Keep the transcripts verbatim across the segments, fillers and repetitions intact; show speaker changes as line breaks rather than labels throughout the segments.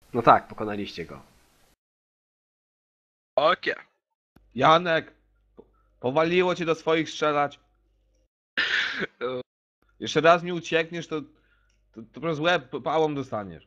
No tak, pokonaliście go.
Okie.
Janek! Powaliło cię do swoich strzelać. Jeszcze raz mi uciekniesz, to, to, to przez łeb pałą dostaniesz.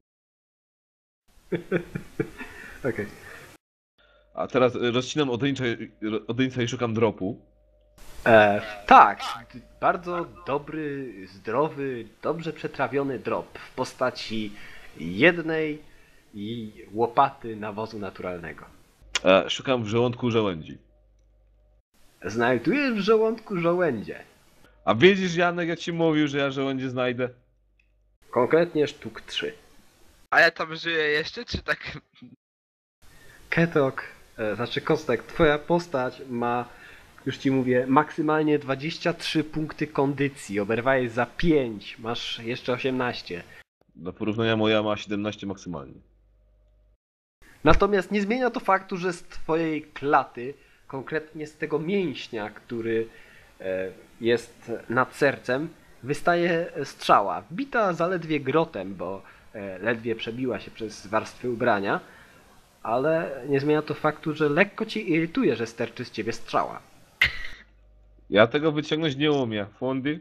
Okej. Okay.
A teraz rozcinam odyńca i szukam dropu.
E, tak, bardzo dobry, zdrowy, dobrze przetrawiony drop w postaci jednej i łopaty nawozu naturalnego.
E, szukam w żołądku żołędzi.
Znajdujesz w żołądku żołędzie.
A wiedzisz, Janek, jak ci mówił, że ja żołędzie znajdę?
Konkretnie sztuk trzy.
A ja tam żyję jeszcze, czy tak?
Ketok, e, znaczy Kostek, twoja postać ma, już ci mówię, maksymalnie dwadzieścia trzy punkty kondycji. Oberwałeś za pięć, masz jeszcze osiemnaście.
Do porównania moja ma siedemnaście maksymalnie.
Natomiast nie zmienia to faktu, że z twojej klaty, konkretnie z tego mięśnia, który e, jest nad sercem, wystaje strzała. Bita zaledwie grotem, bo e, ledwie przebiła się przez warstwy ubrania, ale nie zmienia to faktu, że lekko cię irytuje, że sterczy z ciebie strzała.
Ja tego wyciągnąć nie umiem. Fundy?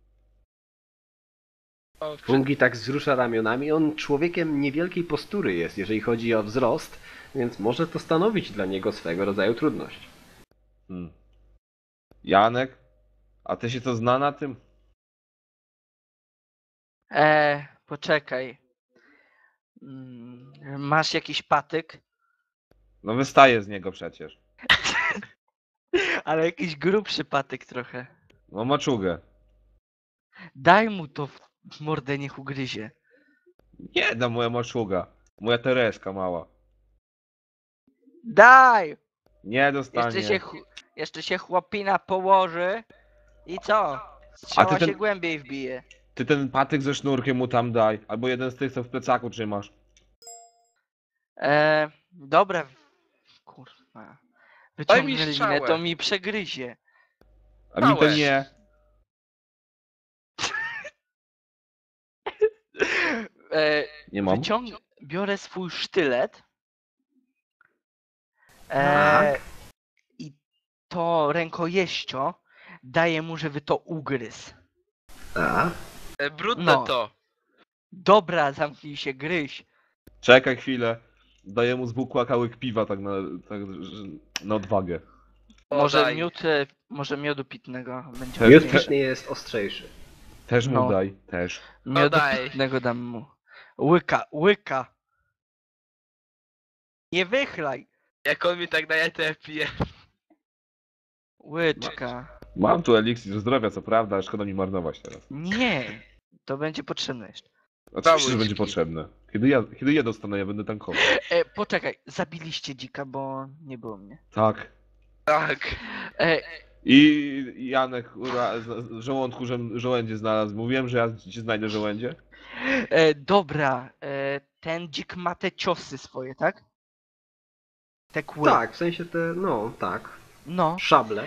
O,
Fungi tak wzrusza ramionami. On człowiekiem niewielkiej postury jest, jeżeli chodzi o wzrost, więc może to stanowić dla niego swego rodzaju trudność.
Hmm. Janek? A ty się to zna na tym?
Eee, poczekaj. Mm, Masz jakiś patyk?
No wystaje z niego przecież.
Ale jakiś grubszy patyk trochę.
No maczugę.
Daj mu to w mordę, niech ugryzie.
Nie da moja maczuga. Moja Tereska mała.
Daj!
Nie dostanie.
Jeszcze się, ch- jeszcze się chłopina położy i co? Strzała
A ty ten-
się głębiej wbije.
Ty ten patyk ze sznurkiem mu tam daj. Albo jeden z tych, co w plecaku trzymasz.
Eee, dobra. Kurwa.
Daj mi
Wyciągnę linę,
strzałę.
to mi przegryzie.
A mi to
Małe.
nie.
Eee,
Nie mam.
wyciąg... Biorę swój sztylet.
Tak.
Eee, I to rękojeścio daje mu, żeby to ugryzł.
A?
e, brudne
No.
to.
Dobra, zamknij się, gryź.
Czekaj chwilę. Daję mu z bukłaka łyk piwa tak na, tak, że- na odwagę.
O,
Może
daj.
miód, e, może miodu pitnego będzie
Też-
Miód
ważniejszy.
pitny jest ostrzejszy.
Też mu
No.
daj. Też.
No
Miodu
daj.
pitnego dam mu. Łyka, łyka. Nie wychlaj.
Jak on mi tak daje, to ja piję.
Łyczka.
Mam tu eliksir zdrowia, co prawda, ale szkoda mi marnować teraz.
Nie. To będzie potrzebne jeszcze.
Oczywiście, że
łyżki.
będzie potrzebne. Kiedy ja, kiedy ja dostanę, ja będę tankował.
E, poczekaj, zabiliście dzika, bo nie było mnie.
Tak.
Tak.
E,
I Janek, ura, z- z żołądku że, żołędzie znalazł. Mówiłem, że ja ci znajdę żołędzie?
e, dobra, e, ten dzik ma te ciosy swoje, tak? Te kły.
Tak, w sensie te, no tak,
No.
szable.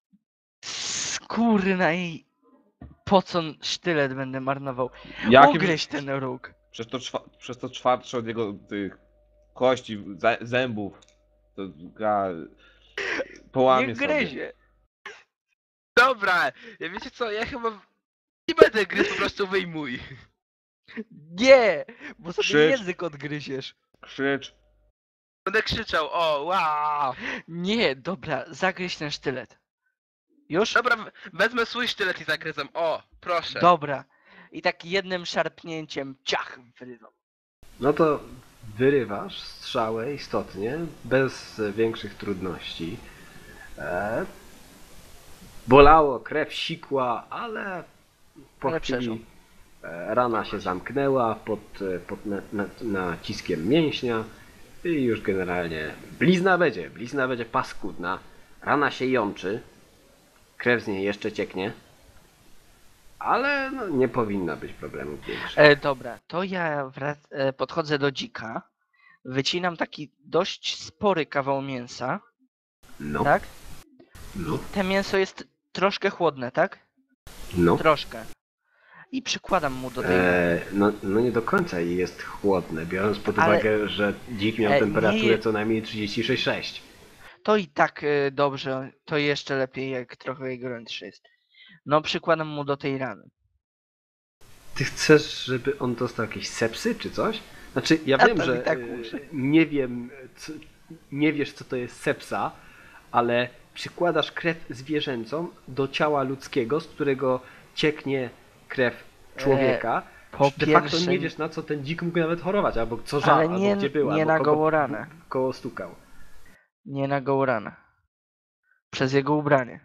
Skórna i po co sztylet będę marnował?
Jakim...
Ugryź ten róg.
Przez to, czwa, przez to czwartsze od jego tych kości, zę- zębów. To ga, połamie
Nie
sobie.
gryzie.
Dobra, ja wiecie co, ja chyba nie będę gryźć, po prostu wyjmuj.
Nie, bo sobie
Krzycz.
język odgryziesz.
Krzycz.
Będę krzyczał, o, wow.
Nie, dobra, zagryź ten sztylet. Już?
Dobra, we- wezmę swój sztylet i zagryzam, o, proszę.
Dobra. I tak jednym szarpnięciem ciach wyrywam.
No to wyrywasz strzałę istotnie, bez większych trudności. E, bolało, krew sikła, ale po
Ale
chwili
przeżył.
e, rana się zamknęła pod, e, pod na, na, naciskiem mięśnia i już generalnie blizna będzie, blizna będzie paskudna, rana się jączy, krew z niej jeszcze cieknie, ale no, nie powinna być problemów większych.
E, dobra, to ja wrac- e, podchodzę do dzika. Wycinam taki dość spory kawał mięsa,
No,
tak?
no,
Te mięso jest troszkę chłodne, tak?
no.
Troszkę. i przykładam mu do tej rany.
E, no, no nie do końca i jest chłodne, biorąc pod
Ale-
uwagę, że dzik miał
E, nie
temperaturę
je-
co najmniej trzydzieści sześć przecinek sześć.
To i tak y, dobrze, to jeszcze lepiej jak trochę gorętszy jest. No przykładam mu do tej rany.
Ty chcesz, żeby on dostał jakieś sepsy czy coś? Znaczy, ja
A
wiem,
tam
że
i tak
e,
muszę.
nie wiem, co, nie wiesz co to jest sepsa, ale przykładasz krew zwierzęcą do ciała ludzkiego, z którego cieknie krew człowieka.
E, po
De facto
pierwsze-
nie wiesz na co ten dzik mógł nawet chorować, albo co
Ale
żał, albo
nie-
gdzie był,
nie
albo
na
kogo
gołą ranę.
koło stukał.
Nie na gołą ranę. Przez jego ubranie.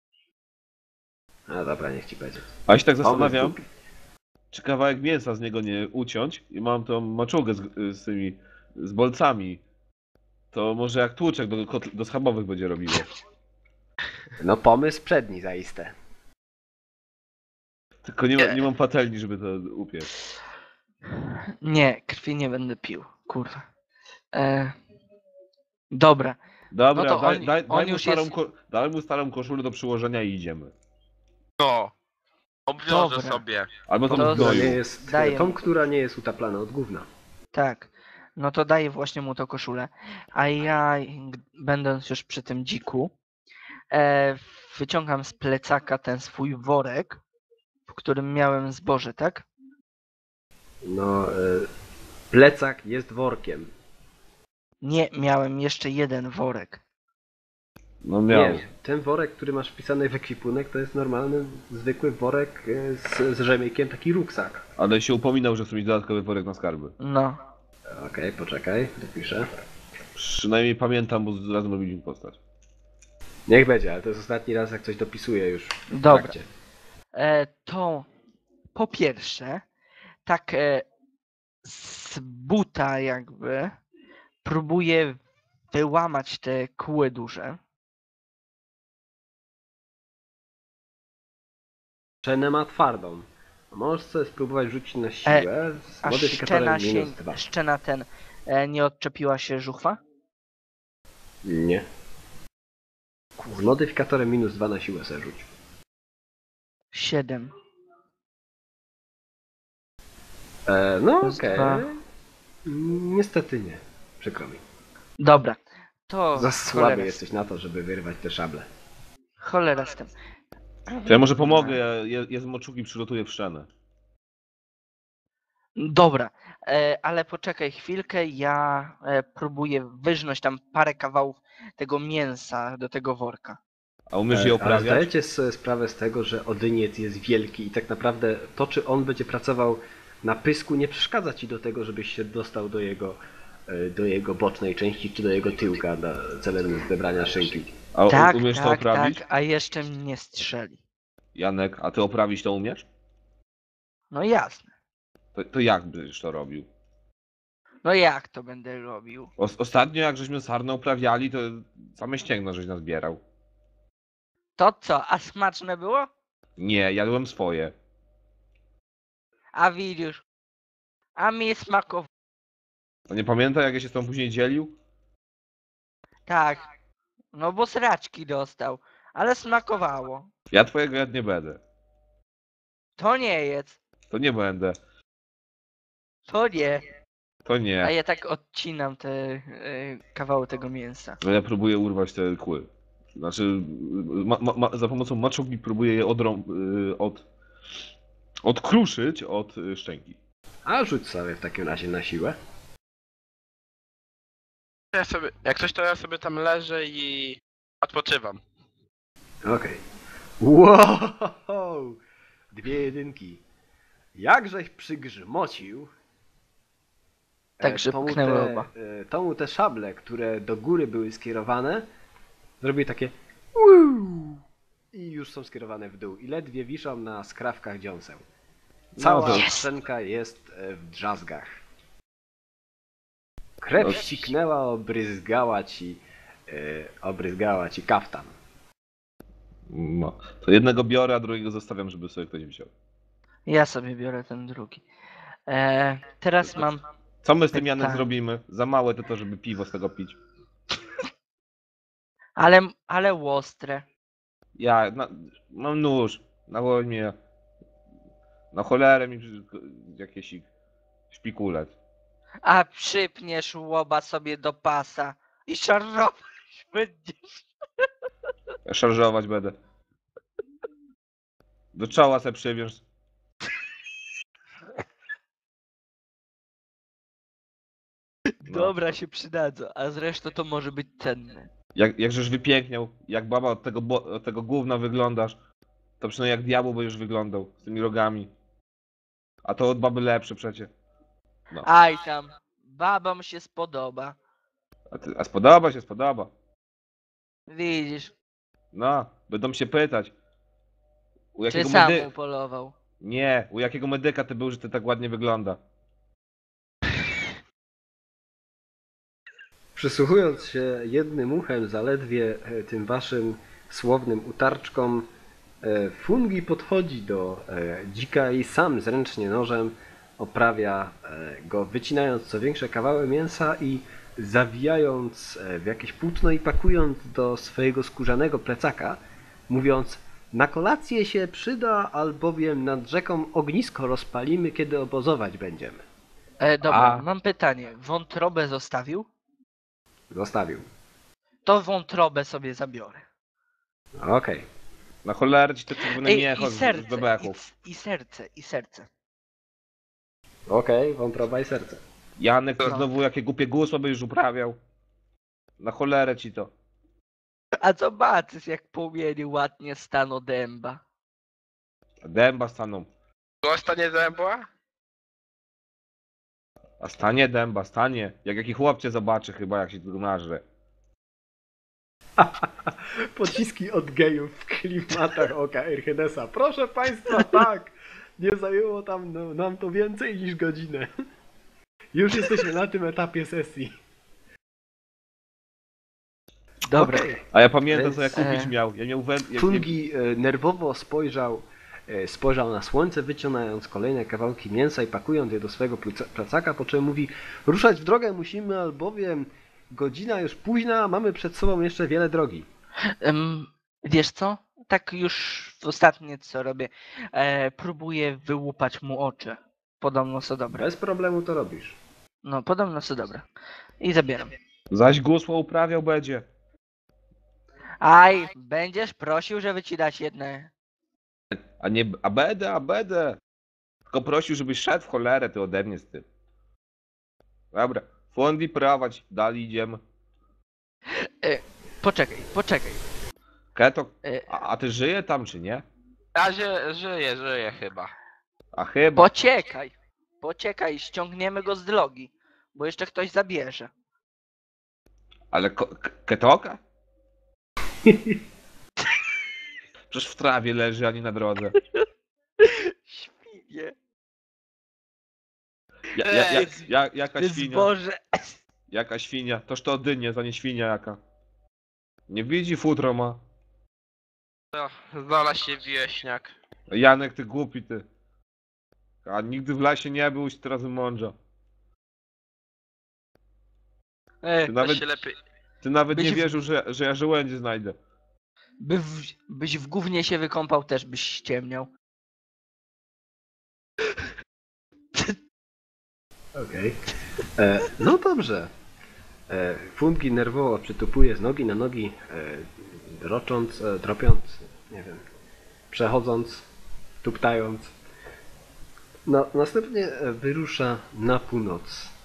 No dobra, niech ci będzie.
A ja się tak
Pomysł
zastanawiam,
głupi.
czy kawałek mięsa z niego nie uciąć i mam tą maczugę z, z tymi, z bolcami. To może jak tłuczek do, kotl- do schabowych będzie robiło.
No pomysł przedni zaiste.
Tylko nie, ma, nie mam patelni, żeby to upiec.
Nie, krwi nie będę pił. Kurwa. E, dobra.
Dobra,
No to
daj,
on-
daj,
on
daj, mu
już
starą,
jest-
ko- daj mu starą koszulę do przyłożenia i idziemy.
No. Obwiążę
Dobra.
sobie.
Albo tą
To
w
Która
gnoju.
nie jest,
Daję
tą,
mu.
która nie jest utaplana od gówna.
Tak. No to daję właśnie mu tą koszulę. A ja, g- będąc już przy tym dziku, e, wyciągam z plecaka ten swój worek, w którym miałem zboże, tak?
No, e, plecak jest workiem.
Nie, miałem jeszcze jeden worek.
No miał.
Nie, ten worek, który masz wpisany w ekwipunek, to jest normalny, zwykły worek e, z, z rzemykiem, taki ruksak.
Ale się upominał, że chce mieć dodatkowy worek na skarby.
No.
Okej, poczekaj, dopiszę.
Przynajmniej pamiętam, bo razem robiliśmy postać.
Niech będzie, ale to jest ostatni raz, jak coś dopisuję już w
Dobra.
trakcie.
E, to po pierwsze, tak e, z buta jakby próbuję wyłamać te kły duże.
Szczenę ma twardą. Możesz sobie spróbować rzucić na siłę z
A
modyfikatorem
szczena, się,
minus dwa.
szczena ten e, nie odczepiła się żuchwa?
Nie. Z modyfikatorem minus dwa na siłę sobie rzuć.
Siedem.
E, no
Plus
okej.
dwa.
Niestety nie. Przykro mi.
Dobra. To
Za słaby
cholera,
jesteś na to, żeby wyrwać te szable.
cholera z tym.
To ja może pomogę, ja, ja, ja z moczugi przygotuję w szczenę.
Dobra, e, ale poczekaj chwilkę, ja e, próbuję wyżnąć tam parę kawałów tego mięsa do tego worka.
A umiesz je
E, Ale
oprawiać?
zdajecie sobie sprawę z tego, że Odyniec jest wielki i tak naprawdę to, czy on będzie pracował na pysku, nie przeszkadza ci do tego, żebyś się dostał do jego, e, do jego bocznej części, czy do jego tyłka dla celem zebrania szynki.
A
Tak,
umiesz to
tak,
oprawić?
tak, a jeszcze mnie strzeli.
Janek, a ty oprawić to umiesz?
No jasne.
To, to jak byś to robił?
No jak to będę robił?
O, ostatnio jak żeśmy sarnę uprawiali, to same ścięgno żeś nazbierał.
To co, a smaczne było?
Nie, jadłem swoje.
A widzisz, a mi smakowało.
A nie pamiętaj jak ja się z tą później dzielił?
Tak, no bo sraczki dostał, ale smakowało.
Ja twojego jad nie będę.
To nie jest,
To nie będę.
to nie.
To
A
nie.
ja tak odcinam te e, kawały tego mięsa.
No ja próbuję urwać te kły. Znaczy, ma, ma, ma, za pomocą maczugi próbuję je odrą... y, od... odkruszyć od y, szczęki.
A rzuć sobie w takim razie na siłę.
Ja sobie, jak coś to ja sobie tam leżę i odpoczywam.
Okej. Wow! Dwie jedynki. Jakżeś przygrzmocił. e,
Tak, że
to mu
puknęły
te,
oba.
e, to mu te szable, które do góry były skierowane, zrobiły takie "Uu" i już są skierowane w dół. I ledwie wiszą na skrawkach dziąseł. Cała
No to-
Jest.
szczęka jest e, w drzazgach. Krew
No.
ściknęła, obryzgała ci, e, obryzgała ci kaftan.
No. To jednego biorę, a drugiego zostawiam, żeby sobie ktoś wziął.
Ja sobie biorę ten drugi. E, teraz mam.
Co my z tym Janek
Tak.
zrobimy? Za małe to to, żeby piwo z tego pić.
Ale, ale łostre.
Ja na, mam nóż. Nawoń mnie. Na cholerę mi przy- jakieś szpikulec.
A przypniesz łoba sobie do pasa i szarżować będziesz.
Ja szarżować będę. Do czoła se przywiąż. No.
Dobra, się przydadzą, a zresztą to może być cenne.
Jak, jakżeś wypiękniał, jak baba od tego, bo, od tego gówna wyglądasz, to przynajmniej jak diabeł będziesz wyglądał, z tymi rogami. A to od baby lepsze przecie. No.
Aj tam, babom się spodoba.
A, ty, a spodoba się, spodoba.
Widzisz,
No, będą się pytać. U
czy
jakiego
sam
medy...
upolował.
Nie, u jakiego medyka ty był, że ty tak ładnie wygląda.
Przysłuchując się jednym uchem zaledwie e, tym waszym słownym utarczkom, e, Fungi podchodzi do e, dzika i sam zręcznie nożem oprawia e, go, wycinając co większe kawały mięsa i zawijając e, w jakieś płótno i pakując do swojego skórzanego plecaka, mówiąc: na kolację się przyda, albowiem nad rzeką ognisko rozpalimy, kiedy obozować będziemy.
E, dobra,
A.
mam pytanie. Wątrobę zostawił?
Zostawił.
To wątrobę sobie zabiorę.
Okej.
Na cholerę ci te czerwone
Ej,
miecho
i
z, z
serce, i,
bebechów.
i serce, i serce.
Okej, wątroba i serce.
Janek, ty
No.
znowu jakie głupie gusła byś uprawiał. Na cholerę ci to.
A zobaczysz, jak płomieni ładnie staną dęba.
Dęba staną.
To stanie zębła?
A stanie dęba, stanie. Jak jaki chłop cię zobaczy chyba, jak się tu nażre.
Pociski od gejów w klimatach oka Erchedesa. Proszę Państwa, tak! Nie zajęło tam no, nam to więcej niż godzinę. Już jesteśmy na tym etapie sesji.
Dobra.
Okej.
A ja pamiętam, co ja
Więc,
kupić
e,
miał. Ja miał wę... ja, ja,
Fungi e, nerwowo spojrzał, e, spojrzał na słońce, wyciągając kolejne kawałki mięsa i pakując je do swojego pleca- plecaka, po czym mówi: ruszać w drogę musimy, albowiem godzina już późna, mamy przed sobą jeszcze wiele drogi.
Em, wiesz co? Tak już ostatnie co robię. E, próbuję wyłupać mu oczy. Podobno są dobre.
Bez problemu to robisz.
No, podobno są dobre. I zabieram.
zaś gusło uprawiał będzie.
Aj, będziesz prosił, żeby ci dać jedne.
A nie... A będę, a będę. Tylko prosił, żebyś szedł w cholerę, ty ode mnie z tym. Dobra. Fondi prowadź, dalej idziemy.
Poczekaj, poczekaj.
Keto,
E,
a, a ty żyje tam czy nie?
Ja ży, żyję, żyję chyba.
A chyba.
Poczekaj. Poczekaj, ściągniemy go z drogi. Bo jeszcze ktoś zabierze.
Ale ko- k- ketoka? Przecież w trawie leży, ani na drodze.
Świnie.
Ja, ja, ja,
Ej,
ja, jaka
Ty
świnia?
zboże.
Jaka świnia? Toż to dynie, to nie świnia jaka. Nie widzi, futro ma.
No, znalazł się wieśniak.
Janek, ty głupi ty. A nigdy w lasie nie był, się teraz mądrze.
E,
Ty
Nawet...
nawet,
się lepiej...
ty nawet
byś
nie
w-
wierzył, że, że ja żołędzie znajdę.
by w, byś w gównie się wykąpał, też byś ściemniał.
Okej. E, No dobrze. E, Fungi nerwowo przytupuje z nogi na nogi, e, rocząc, e, tropiąc, nie wiem, przechodząc, tuptając. No, następnie e, wyrusza na północ.